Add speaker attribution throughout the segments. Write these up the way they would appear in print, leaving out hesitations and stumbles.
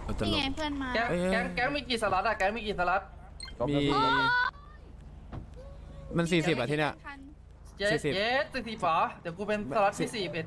Speaker 1: เราจะ
Speaker 2: นี่
Speaker 1: ล
Speaker 2: ไง
Speaker 1: ง
Speaker 2: เพื่อนมา
Speaker 3: แก๊งมีกี่สล็อตอะแก๊งมีกี่สล็อต
Speaker 1: มีมัน40อะที่เนี้ย
Speaker 3: เจ๊
Speaker 1: 40
Speaker 3: เจ๊40ป๋อเดี๋ยวกูเป็นสล็อตที่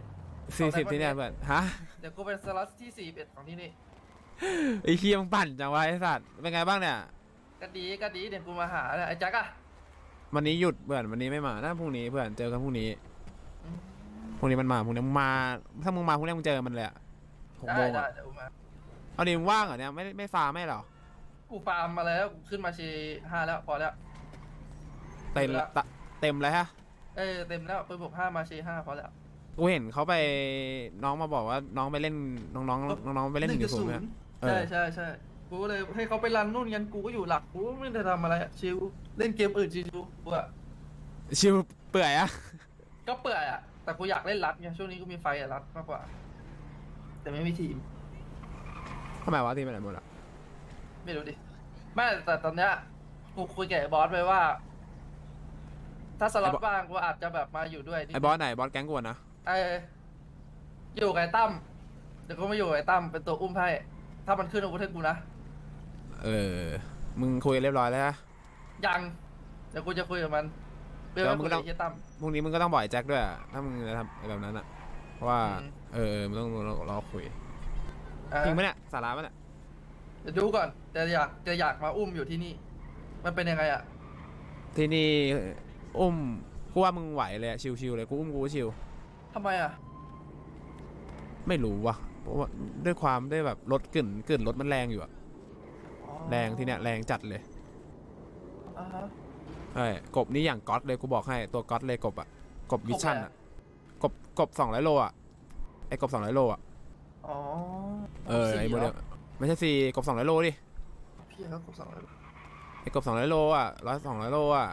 Speaker 3: 41
Speaker 1: 40ที่เนี้ยเพื่อนฮะ
Speaker 3: เดี๋ยวกูเป็นสล็อตที่41ของที่นี่
Speaker 1: ไอ้เคียมงปั่นจังวะไอ้สัตว์เป็นไงบ้างเนี่ย
Speaker 3: ก็ดีเดี๋ยวกูมาหาเนี่ยไอ้แจ็คอะ
Speaker 1: วันนี้หยุดเพื่อนวันนี้ไม่มาถ้าพรุ่งนี้เพื่อนเจอกันพรุ่งนี้พรุ่งนี้มันมาพรุ่งนี้มึงมาถ้ามึงมาพรุ่งนี้มึงเจอมันเลยอะ6 โมง
Speaker 3: ได้
Speaker 1: อะ
Speaker 3: เดี๋ยวกูมา
Speaker 1: เอาดิมึงว่างเหรอเนี่ยไม่ฟาร์มไม่เหรอ
Speaker 3: กูฟาร์มมาแล้วกูขึ้นมาชี5แล้วพอแล้ว
Speaker 1: เต็มละเต็มเลยฮะ
Speaker 3: เต็มแล้วปืนบวก5มาชี5พอแล้ว
Speaker 1: กูเห็นเขาไปน้องมาบอกว่าน้องไปเล่นน้องไปเล่น1.0เนี่ย
Speaker 3: ใช่กูก็เลยให้เขาไปรันนู่นกันกูก็อยู่หลักกูไม่ได้ทำอะไรอะชิวเล่นเกมอื่นชิวกูอะ
Speaker 1: ชิวเปื่อยอะ
Speaker 3: ก็เปื่อยอะแต่กูอยากเล่นรัดไงช่วงนี้กูมีไฟอะรัดมากกว่า แต่ไม่มีทีม
Speaker 1: ทำไมวะทีมไปไหนหมดอะ
Speaker 3: ไม่รู้ดิไม่แต่ตอนเนี้ยกูคุยกับไอ้บอสไปว่า ถ้าสล็อตว่างกูอาจจะแบบมาอยู่ด้วย
Speaker 1: ไอ้บอสไหนบอสแก๊งกวนนะ
Speaker 3: อยู่กับไอ้ตั้มเดี๋ยวกูมาอยู่กับไอ้ตั้มเป็นตัวอุ้มให้ถ้ามันขึ้นอาวุธให้กูนะ
Speaker 1: มึงคุยกันเรียบร้อยแล้วฮะ
Speaker 3: ยังเดี๋ยวกูจะคุยกับมันเพื่อ
Speaker 1: แล้ว
Speaker 3: ให้
Speaker 1: มึ
Speaker 3: กู
Speaker 1: งก็ต้อง
Speaker 3: ไอ้เหี้ยตั้ม
Speaker 1: พรุ่งนี้มึงก็ต้องบอกไอ้แจ็คด้วยอะถ้ามึงจะทำแบบนั้นอะเพราะว่า
Speaker 3: อืม
Speaker 1: มึงต้องรอคุย
Speaker 3: อ่า
Speaker 1: จริงไหมเนี่ยสาระปะเนี่ย
Speaker 3: เดี๋ยวดูก่อนแต่อยากมาอุ้มอยู่ที่นี่ มันเป็นยังไงอะ
Speaker 1: ที่นี่อุ้มกูว่ามึงไหวเลยอะชิวๆเลยกูอุ้มกูก็ชิว
Speaker 3: ทำไมอะ
Speaker 1: ไม่รู้ว่ะเพราะว่าด้วยความได้แบบรถกลิ่นรถมันแรงอยู่อะ
Speaker 3: อ๋อ
Speaker 1: แรงที่เนี่ยแรงจัดเลย
Speaker 3: อ่าฮะ
Speaker 1: ใช่กบนี่อย่างก๊อตเลยกูบอกให้ตัวก๊อตเลยกบอะกบวิชั่นอะกบ200 โลอะไอ้กบ200 โลอะ
Speaker 3: อ๋อ
Speaker 1: ไอ้โมเดลไม่ใช่กบ200 โลดิ
Speaker 3: พี่เขากดสั่งเลย
Speaker 1: ไอ้กบ200 โลอะ200 โลอะ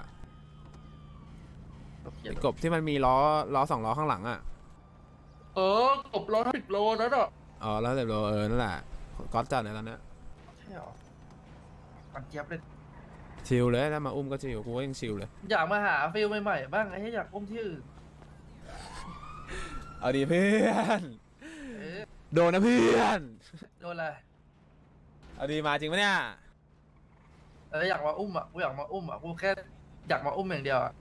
Speaker 1: ไอ้กบที่มันมีล้อ2 ล้อข้างหลังอะ
Speaker 3: กบ110 โลนั่นอ่ะ
Speaker 1: อ๋อแล้วแต่โลนั่นแหละก๊อตจัดในตอนเนี้ย
Speaker 3: ใช่หรอมันเจี๊ยบเลย
Speaker 1: ชิลเลยถ้ามาอุ้มก็ชิลกูก็ยังชิลเลย
Speaker 3: อยากมาหาฟิลใหม่ๆบ้างไอ้ที่อยากอุ้มที่อื่น
Speaker 1: เอาดีเพื่อน
Speaker 3: เอ๊ะ
Speaker 1: โดนนะเพื่อน
Speaker 3: โดนอะไร
Speaker 1: เอาดีมาจริงปะเนี่ย
Speaker 3: อยากมาอุ้มอ่ะกูอยากมาอุ้มอ่ะกูแค่อยากมาอุ้มอย่างเดียวอ่ะ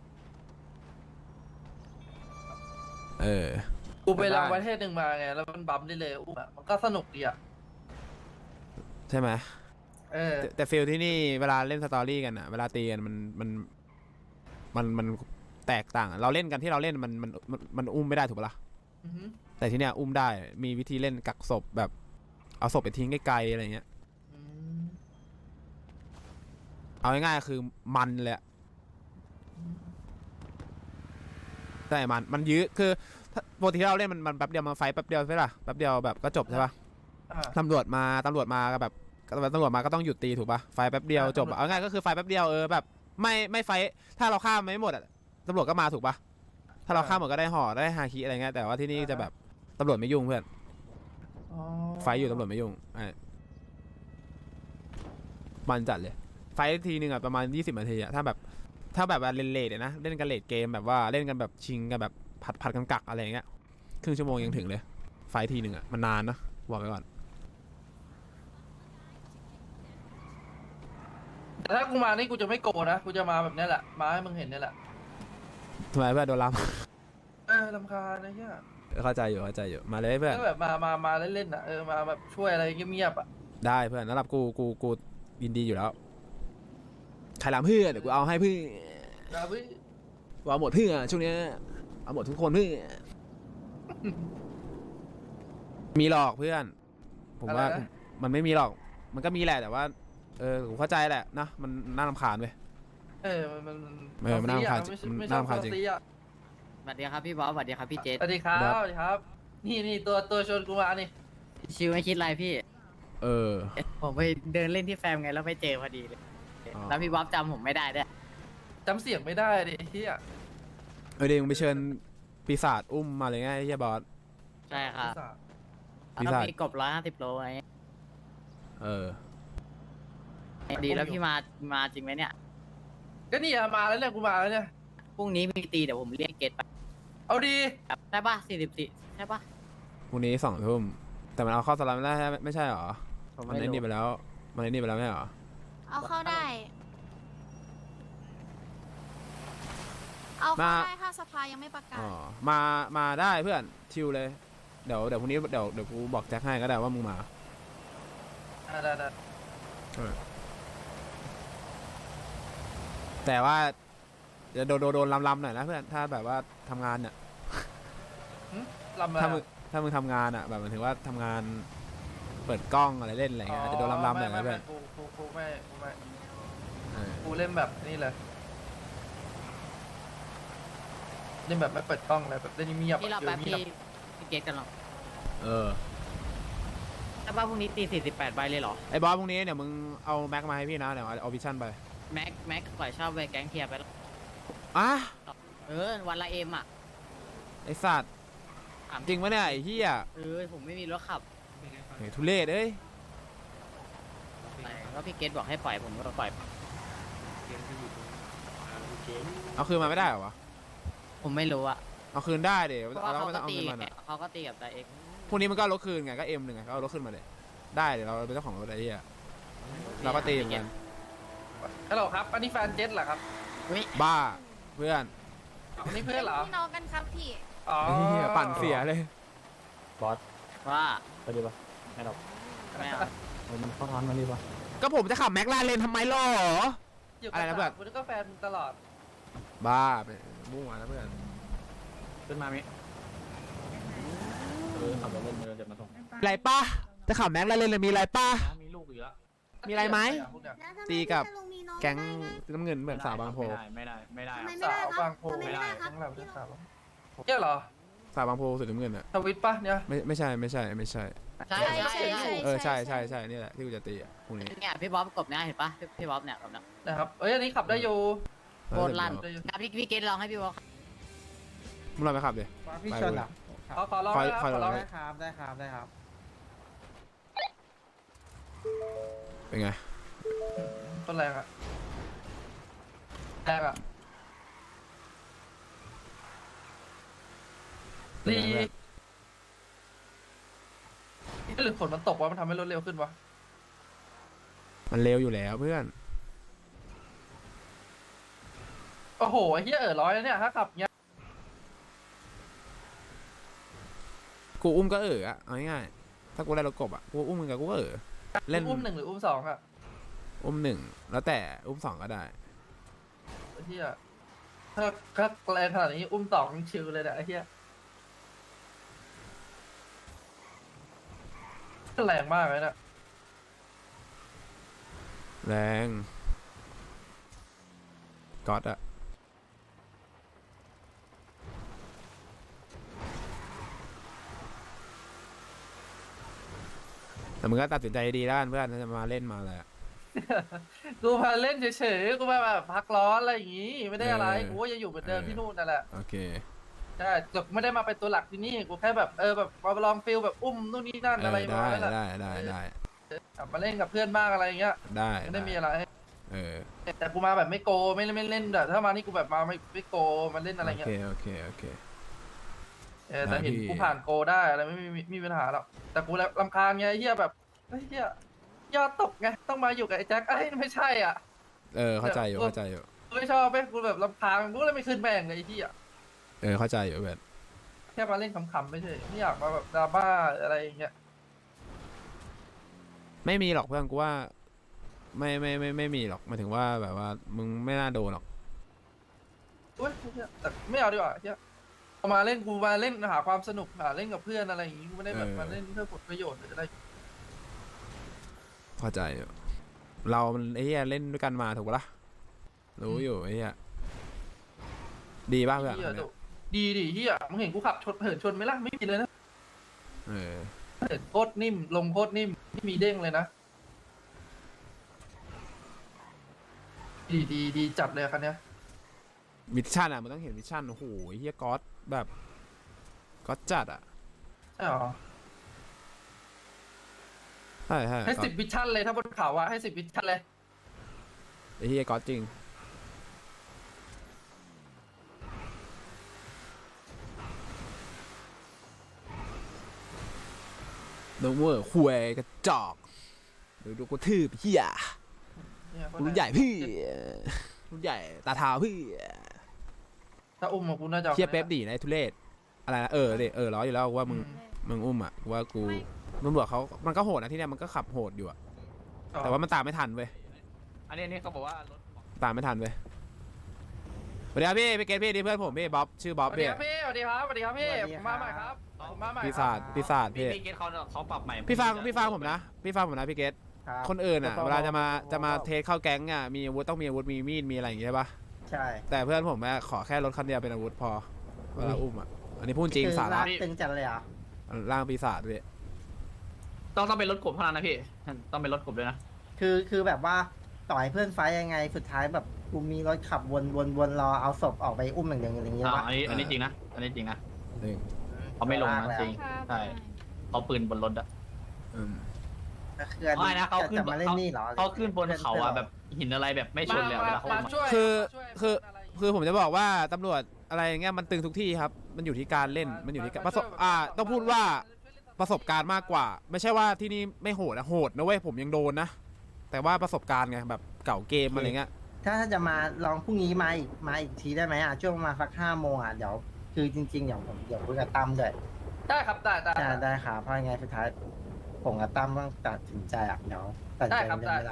Speaker 3: กูไปลองประเทศหนึ่งมาไงแล้วมันบัมได้เลยอุ้มอ่ะมันก็สนุกดีอ่ะ
Speaker 1: ใช่ไหม
Speaker 3: เออ
Speaker 1: แต่ฟิลที่นี่เวลาเล่นสตอรี่กันอะเวลาตีกันมันแตกต่างอะเราเล่นกันที่เราเล่นมันอุ้มไม่ได้ถูกปะล่ะ
Speaker 3: อือหือ
Speaker 1: แต่ที่เนี้ยอุ้มได้มีวิธีเล่นกักศพแบบเอาศพไปทิ้งไกลๆอะไรเงี้ย
Speaker 3: อืม
Speaker 1: เอาง่ายๆคือมันเลยอะใช่มันยื้อคือปกติที่เราเล่นมันแป๊บเดียวมันไฟแป๊บเดียวใช่ปะแป๊บเดียวแบบก็จบใช่ปะ
Speaker 3: อ่า
Speaker 1: ตำรวจมาก็แบบตำรวจมาก็ต้องหยุดตีถูกปะไฟแป๊บเดียวจบอะเอาง่ายก็คือไฟแป๊บเดียวแบบไม่ไฟถ้าเราฆ่าไม่หมดอะตำรวจก็มาถูกปะถ้าเราฆ่าหมดก็ได้ห่อได้ฮาคิอะไรเงี้ยแต่ว่าที่นี่จะแบบตำรวจไม่ยุ่งเพื่อน
Speaker 3: อ๋อ
Speaker 1: ไฟอยู่ตำรวจไม่ยุ่งมันจัดเลยไฟทีนึงอะประมาณ20 นาทีอะถ้าแบบว่าเล่นเลทนะเล่นกันเลทเกมแบบว่าเล่นกันแบบชิงกันแบบผัดกันกักอะไรเงี้ยครึ่งชั่วโมงยังถึงเลยไฟทีนึงอะมันนานนะบอกไปก่อน
Speaker 3: แต่ถ้ากูมานี่กูจะไม่โกรธนะกูจะมาแบบนี้แหละมาให้มึงเห็นนี่แหละ
Speaker 1: ทำไมเพื่อนโดนล้
Speaker 3: รำคาญนะเฮีย
Speaker 1: ำเข้าใจอยู่มาเลยเพื่อน
Speaker 3: ก็แบบมาเล่นๆอ่ะมาแบบช่วยอะไรเงียบๆอ่ะ
Speaker 1: ได้เพื่อนสำหรับกูยินดีอยู่แล้วใครรำเพื่อนเดี๋ยวกูเอาให้เพื่อน
Speaker 3: นะพี่
Speaker 1: เอาหมดเพื่อนช่วงเนี้ยเอาหมดทุกคนเพื่อนมีหรอกเพื่อนผมว่ามันไม่มีหรอกมันก็มีแหละแต่ว่าผมเข้าใจแหละนะมันน่ารำคาญเว้ย มันน่ารำคาญ
Speaker 3: ไม่
Speaker 1: น่า
Speaker 3: ชอบ
Speaker 1: รำคาญจริง
Speaker 3: ซีอ่ะ
Speaker 4: สวัสดีครับพี่บอสสวัสดีครับพี่เจษ
Speaker 3: สวัสดีครับ
Speaker 1: ครับ
Speaker 3: สวัสดีครับ นี่ตัวชวนกูมานี่
Speaker 4: ชิวไม่คิดอะไรพี่ผมไปเดินเล่นที่แฟมไงแล้วไปเจอพอดีเลย
Speaker 1: อ๋อ
Speaker 4: แล้วพี่บอสจำผมไม่ได้ด้วย
Speaker 3: จำเสียงไม่ได้ดิเฮีย
Speaker 1: เดี๋ยวมึงไปเชิญปีศาจอุ้มมาเลยไงไอ้เหี้ยบอส
Speaker 4: ใช่ครับ
Speaker 1: พี่
Speaker 4: แล้ว
Speaker 1: ชาย
Speaker 4: มีกบ150 โลไง ดีแล้วพี่มาจริงไหมเนี่ย
Speaker 3: ก็นี่อะมาแล้วเนี่ยกูมาแล้วเนี่ย
Speaker 4: พรุ่งนี้มีตีเดี๋ยวผมเรียกเกตไป
Speaker 3: เอาดี
Speaker 4: ได้ป่ะ44ใช่ป่ะ
Speaker 1: พรุ่งนี้2 ทุ่มแต่มันเอาเข้าสลัมไม่ได้ไม่ใช่หรอ
Speaker 3: โถ
Speaker 4: ผม
Speaker 1: มัน
Speaker 4: ไม่
Speaker 1: ไอ้นี่
Speaker 4: รู้
Speaker 1: ไปแล้วมันไอ้นี่ไปแล้วไม่ใช่เหรอ
Speaker 2: เอาเข้าได้ เอาเข้าได้ถ้าสภายังไม่ประกาศ
Speaker 1: อ๋อมาได้เพื่อนชิลเลยเดี๋ยวพรุ่งนี้เดี๋ยวกูบอกแจ็คให้ก็ได้ว่ามึงมา
Speaker 3: ได้
Speaker 1: แต่ว่าจะโดนลำหน่อยนะเพื่อนถ้าแบบว่าทำงานเนี่ย
Speaker 3: ลำอะไร
Speaker 1: ถ้ามึงทำงานอ่ะแบบหมายถึงว่าทำงานเปิดกล้องอะไรเล่นอะไรเงี้ยอาจจะโดนลำหน่อยนะเพื่อน
Speaker 3: กูไม่
Speaker 1: เออ
Speaker 3: กูเล่นแบบนี่เลยเล่นแบบไม่เปิดกล้องเลยแบบเล่นเงียบ
Speaker 4: พี่รอแป๊บพี่เกตกันหรอ
Speaker 1: เออ
Speaker 4: แต่ว่าพรุ่งนี้ตี48ใบเลยเหรอ
Speaker 1: ไอ้บอสพรุ่งนี้เดี๋ยวมึงเอาแม็กมาให้พี่นะเดี๋ยวเอาวิชั่นไป
Speaker 4: แม็กปล่อยเช่าไปแก๊งเทียร์ไปแล้ว
Speaker 1: อ่ะ
Speaker 4: วันละเอ็มอ่ะ
Speaker 1: ไอ้สัตว์
Speaker 4: ถาม
Speaker 1: จริงปะเนี่ยไอ้เหี้ย
Speaker 4: ผมไม่มีรถขับ
Speaker 1: เฮ้ยทุเรศเอ้ย
Speaker 4: ก็พี่เกตบอกให้ปล่อยผมก็ปล่อย
Speaker 1: เอาคืนมาไม่ได้เหรอวะ
Speaker 4: ผมไม่รู้อ่ะ
Speaker 1: เอาคืนได้เดี๋ยว
Speaker 4: เพราะว่า
Speaker 1: เรา
Speaker 4: เขา
Speaker 1: ไม่
Speaker 4: ก็
Speaker 1: ต้องเอา
Speaker 4: ตี
Speaker 1: เงินมันอะ
Speaker 4: เขาก็ตีกับไดเอ็ก
Speaker 1: พรุ่งนี้มันก็เอารถคืนไงก็หนึ่งไงก็เอารถขึ้นมาเลยได้เดี๋ยวเราเป็นเจ้าของรถไอ้เหี้ยเราก็ตีเหมือนกัน
Speaker 3: ฮัลโหลครับอันนี้แฟนเจ็ตเหรอครับ
Speaker 1: บ้าเพื่อน
Speaker 3: อันนี้เพื่อนเหรอ
Speaker 2: พี่น้องกันครับพี่
Speaker 3: อ๋อ
Speaker 1: ไอ้เหี้ยปั่นเสียเลย
Speaker 5: บอส
Speaker 4: ว่า
Speaker 5: ไปดีปะไม่หรอก
Speaker 4: ไม่เอา
Speaker 5: มันเข้าทานมาดีปะ
Speaker 1: ก็ผมจะขับแม็กลาเรนทำไมล่ะ
Speaker 3: อยู่
Speaker 1: อะไรนะเพื่อน
Speaker 3: กูนึกว่าแฟนมึงตลอด
Speaker 1: บ้าไปมั่วนะเพื่อน
Speaker 5: ขึ้นมามิขับรถเล่นเดี๋ยวมาส่ง
Speaker 1: ไรป้าจะขับแม็กลาเรนเลยมีไรป้า
Speaker 5: มีลูกอีกแล้ว
Speaker 1: มีอะไรไหม
Speaker 3: พวกเนี้ย
Speaker 1: ตีกับแก๊งน้ำเงินเหมือนสาวบางโพ
Speaker 5: ไม่ได้
Speaker 2: ทำไม
Speaker 3: สาวบางโพ
Speaker 2: ทำไมไม่ได้ครับ
Speaker 3: ทั้งเราทั้งสาวเนี่ยเหรอ
Speaker 1: สาวบางโพสุดน้ำเงินอะ
Speaker 3: ทวิตปะเนี่ย
Speaker 1: ไม่ใช่
Speaker 4: ใช่
Speaker 1: เออใช่นี่แหละที่กูจะตีอะพรุ่งนี้
Speaker 4: เนี่ยพี่บ๊อบกบเนี่ยเห็นปะพี่บ๊อบเนี่ยกบเนี่ย
Speaker 3: นะครับเอ้ยอันนี้ขับได้อยู่
Speaker 4: โบนลั่นนะพี่เกตลองให้พี่บ๊อบ
Speaker 1: มึงลองไปขับดิ
Speaker 6: พี่ชนเหรอ
Speaker 3: ขอลอง
Speaker 1: คอย
Speaker 3: นะ
Speaker 1: คอย
Speaker 3: ขอลอง
Speaker 1: ลอง
Speaker 6: ได้ครับ ได้ครับ ได้ครับ
Speaker 1: เป็นไง
Speaker 3: ต้นแรงอะแรงอะดีหรือฝนมันตกวะมันทำให้รถเร็วขึ้นวะ
Speaker 1: มันเร็วอยู่แล้วเพื่อน
Speaker 3: โอ้โหไอ้เหี้ยร้อยแล้วเนี่ยถ้าขับเงี้ย
Speaker 1: กูอุ้มก็อะเอาง่ายๆถ้ากูได้รถกบอะกูอุ้มมึงกับกูก็เล่น
Speaker 3: อุ้มหนึ่งหรืออุ้มสองอะ
Speaker 1: อุ้มหนึ่งแล้วแต่อุ้มสองก็ได้
Speaker 3: ไอ้เหี้ยถ้าแรงขนาดนี้อุ้มสองชิลเลยเนี่ยไอ้เหี้ยแรงมากเลยนะ
Speaker 1: แรงก๊อตอะแต่มึงก็ตัดสินใจดีแล้วกันเพื่อนถ้าจะมาเล่นมาอะไรอะ
Speaker 3: กูมาเล่นเฉยๆกูมาแบบพักร้อนอะไรอย่างงี้ไม่ได้อะไร
Speaker 1: เออ
Speaker 3: กูก็จะอยู่เหมือนเดิมที่นู่นนั่นแหละ
Speaker 1: โอเค
Speaker 3: ใช่แต่ไม่ได้มาเป็นตัวหลักที่นี่กูแค่แบบแบบมาลองฟิลแบบอุ้มนู่นนี่นั่นอะไร
Speaker 1: ได้
Speaker 3: มาแล้วแหละ
Speaker 1: ได้
Speaker 3: กลับมาเล่นกับเพื่อนบ้างอะไรอย่างเงี้ย
Speaker 1: ได้
Speaker 3: ไม่ได้มีอะไร
Speaker 1: เออ
Speaker 3: แต่กูมาแบบไม่โกไม่เล่นแบบถ้ามานี่กูแบบมาไม่โกมาเล่นอะไรเงี้ย
Speaker 1: โอเค
Speaker 3: แต่เห็น
Speaker 1: พี่
Speaker 3: กูผ่านโกได้อะไรไม่มีปัญหาหรอกแต่กูรำคาญไงไอ้เฮียแบบไอ้เฮียยอดตกไงต้องมาอยู่กับไอ้แจ็คไอ้ยไม่ใช่อ่ะ
Speaker 1: เข้าใจอยู่
Speaker 3: กูไม่ชอบไปกูแบบรำคาญกูเลยไม่ขึ้นแม่งเลยไอ้เฮีย
Speaker 1: เข้าใจอยู่เพื่อน
Speaker 3: แค่มาเล่นขำๆไม่ใช่ไม่อยากมาแบบดราม่าอะไรอย่างเงี้ย
Speaker 1: ไม่มีหรอกเพื่อนกูว่าไม่มีหรอกหมายถึงว่าแบบว่ามึงไม่น่าโดนหรอก
Speaker 3: อุ้ยเหี้ยแต่ไม่เอาดีกว่าเฮียเอามาเล่นกูมาเล่นหาความสนุกหาเล่นกับเพื่อนอะไรอย่างงี้กูไม่ได้แบบมาเล่นเพื่อผลประโยชน์หรืออะไร
Speaker 1: เข้าใจอยู่เรามันไอ้เหี้ยเล่นด้วยกันมาถูกปะล่ะรู้อยู่ไอ้เหี้ยดีป่ะเพื่อน
Speaker 3: เฮีย
Speaker 1: คนเนี้ย
Speaker 3: ดีดิเฮียมึงเห็นกูขับเหินชนไหมล่ะไม่มีเลยนะ
Speaker 1: เออ
Speaker 3: เหินโคตรนิ่มลงโคตรนิ่มไม่มีเด้งเลยนะดีจัดเลยคันเนี้ย
Speaker 1: มิชชั่นอ่ะมันต้องเห็นมิชชั่นโอ้โหไอ้เหี้ยก๊อตแบบก๊อตจัดอ่ะ
Speaker 3: ใช่หรอ
Speaker 1: ใช่
Speaker 3: ให้10 วิชั่นเลยถ้าบนเขาอะให้10 วิชั่นเลย
Speaker 1: ไอ้เหี้ยก๊อตจริงโนเวอร์คุยกระจอกดูกูทืบเฮีย
Speaker 3: เนี่ย
Speaker 1: กูรุ่นใหญ่พี่รุ่นใหญ่ตาเท้าพี่
Speaker 3: ถ้าอุ้มของกูน่าจะ
Speaker 1: เฮียเป๊ปดีนะไอ้ทุเรศอะไรนะล้ออยู่แล้วว่ามึงอุ้มอ่ะว่ากูตำรวจเขามันก็โหดนะที่เนี่ยมันก็ขับโหดอยู่อะแต่ว่ามันตามไม่ทันเว้ย
Speaker 5: อันนี้เขาบอกว่ารถ
Speaker 1: ตามไม่ทันเว้ยสวัสดีครับพี่เกตพี่นี่เพื่อนผมพี่บ๊อบชื่อบ๊อบ
Speaker 3: สวัสดี
Speaker 1: พี่
Speaker 3: ครับพี่สวัสดีครับสวัสดีครับพี่ผมมาใหม่ครับผมมาใหม่
Speaker 1: ปีศาจพี่
Speaker 5: พี่เกตเขาปรับใหม่
Speaker 1: พี่ฟังผมนะพี่เกต
Speaker 6: ครับ
Speaker 1: คนอื่นอ่ะเวลาจะมาเทสเข้าแก๊งอ่ะมีอาวุธต้องมีอาวุธมีมีดมีอะไรอย่างเงี้ยใช่ปะ
Speaker 6: ใช่
Speaker 1: แต่เพื่อนผมอะขอแค่รถคันเดียวเป็นอาวุธพอเวลาอุ้มอ่ะอันนี้พูดจริงสาระ
Speaker 6: ตึงจัดเลยอ่ะ
Speaker 1: ร่างปีศาจพี่
Speaker 5: ต้องเป็นรถกบเท่านั้นนะพี่ต้องเป็นรถกบด้วยนะ
Speaker 6: คือแบบว่าต่อยเพื่อนไฟท์ยังไงสุดท้ายแบบกูมีรถขับวนรอเอาศพออกไปอุ้มอย่างเดียวอย่างเงี้ยวะ
Speaker 5: อันนี้จริงนะอันนี้จริงนะ
Speaker 1: หนึ่ง
Speaker 5: เขาไม่ลงนะจริง
Speaker 2: ค่ะ
Speaker 5: ใช่เขาปืนบนรถอะ
Speaker 1: อืม
Speaker 6: ก็คืออัน
Speaker 5: ไม่
Speaker 6: นี้
Speaker 5: นะเขาขึ้น
Speaker 6: จะมาเล่นนี่เหรอ
Speaker 5: เขาขึ้นบนเขาอะแบบหินอะไรแบบไม่ชนเลยเวลาเขา
Speaker 3: มา
Speaker 5: มา
Speaker 3: ช่วย
Speaker 1: คือ
Speaker 3: ช่วย
Speaker 1: คือ
Speaker 3: อะไรย่างงี้
Speaker 1: คือผมจะบอกว่าตำรวจอะไรอย่างเงี้ยมันตึงทุกที่ครับมันอยู่ที่การเล่นมันอยู่ที่การต้องพูดว่าประสบการณ์มากกว่า ไม่ใช่ว่าที่นี่ไม่โหดนะโหดนะเว้ยผมยังโดนนะแต่ว่าประสบการณ์ไงแบบเก่าเกมอะไรเงี้ย
Speaker 6: ถ้าจะมาลองพรุ่งนี้มาอีกทีได้ไหมอ่ะช่วงประมาณสัก5 โมงอ่ะเดี๋ยวคือจริงๆเดี๋ยวผมคุยกับตั้มด้วย
Speaker 3: ได้ครับได้
Speaker 6: ได้ครับเพราะยังไงสุดท้ายผมกับตั้มต้องตัดสินใจอ่ะเดี๋ยวตัดสินใจกันไม่ได้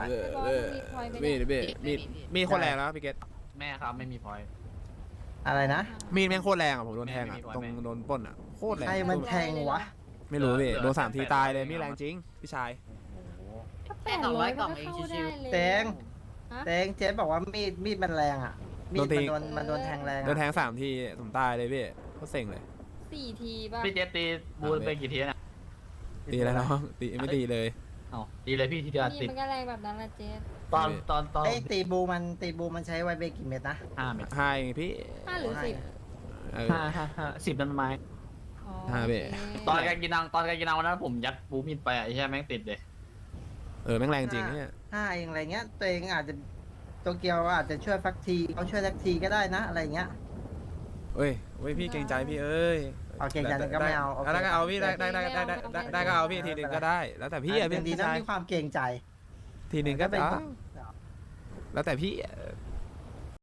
Speaker 1: มีคนแรงแล้วพี่เกต
Speaker 5: แม่ครับไม่มีพอย
Speaker 6: อะไรนะ
Speaker 1: มีดแม่งโคตรแรงอ่ะผมโดนแทงอ่ะ
Speaker 5: ไม่มี
Speaker 1: ตรง
Speaker 5: ไม่มี
Speaker 1: โดนปล้นอ่ะโคตรแรง
Speaker 6: ใครมันแทงวะ
Speaker 1: ไม่รู้พี่โดน3 ทีตายเลยมีดแรงจริงพี่ชาย
Speaker 4: แค่200กล่องเองชิว
Speaker 6: เตง
Speaker 2: ฮะ
Speaker 6: เตงเจ๊บอกว่ามีดมันแรงอ่ะมีดมันโดนแทงแรง
Speaker 1: โดนแท
Speaker 6: อ่ะ
Speaker 1: ง3 ทีผมตายเลยพี่เขาเซ็งเลย
Speaker 2: 4 ทีป่ะ
Speaker 5: พี่เจตีบูนไปกี่ทีเนี่ย
Speaker 1: ตีแล้วน้องตีไม่ตีเลย
Speaker 5: เอาดีเลยพี่ทีเดียว
Speaker 2: นี่
Speaker 5: ติด
Speaker 2: มันก็แรงแบบนั้นละเจส
Speaker 5: ตอน
Speaker 6: ไอ้ตีบูมันใช้ไวเบรกกี่เม็ดนะ
Speaker 5: 5 เมตร
Speaker 1: ให้พี่
Speaker 2: 5 หรือ
Speaker 1: เออ
Speaker 5: 10 นั่นไม้
Speaker 2: 10อ๋อ
Speaker 1: ห้าเว้ย
Speaker 2: โอเค
Speaker 5: ตอนการกินนางวันนั้นผมยัดบูมิดไปอ่ะใช่แม่งติดเลย
Speaker 1: แม่งแรงจริงเนี่ย
Speaker 6: เองอะไรเงี้ยตัวเองอาจจะโตเกียวอาจจะช่วยสักทีเขาช่วยสักทีก็ได้นะอะไรเงี้ย
Speaker 1: เอ้ยพี่เกรงใจพี่เอ้ย
Speaker 6: เอาเกรงใจก็ไม่เอาโอเค
Speaker 1: แล้วก็เอาพี่ได้ก็เอาพี่ทีหนึ่งก็ได้ แล้วแต่พี่อะ
Speaker 6: เป็
Speaker 1: พี่
Speaker 6: นดี
Speaker 1: พี่
Speaker 6: ต้อง
Speaker 1: ชาย
Speaker 6: มีความเกรงใจ
Speaker 1: ทีหนึ่งก็
Speaker 6: เป็น
Speaker 1: ได้แล้วแต่พี่